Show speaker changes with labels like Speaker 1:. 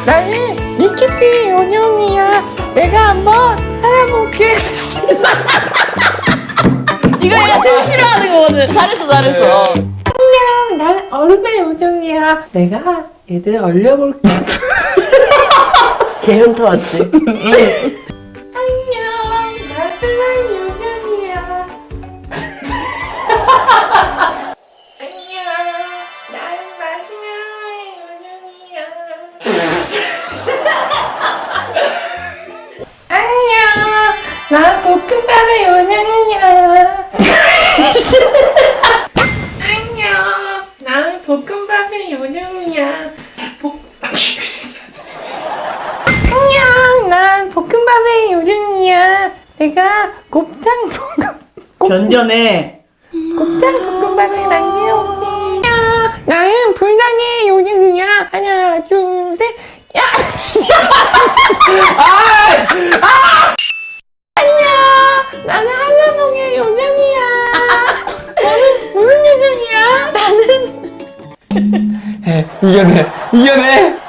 Speaker 1: 나는 밀키트 요정이야. 내가 한번 찾아볼게.
Speaker 2: 이거 얘가 제일 싫어하는 거거든. 잘했어, 잘했어.
Speaker 1: 안녕, 난 얼음의 요정이야. 내가 얘들 얼려볼게.
Speaker 2: 개 현타 왔지?
Speaker 1: 안녕, 난 슬라임 요정이야. 안녕, 난 마시멜로의 요정이야. 안녕, 난 볶음밥의 요정이야. 안녕, 난 볶음밥의 요정이야. 안녕, 난 볶음밥의 요정이야. 내가 곱창
Speaker 2: 견뎌내.
Speaker 1: 볶음밥을 만들어올게. 안녕, 나는 불닭의 요정이야. 하나, 둘, 셋. 야! 안녕, 나는 한라봉의 요정이야. 너는 무슨 요정이야?
Speaker 3: 이겨내.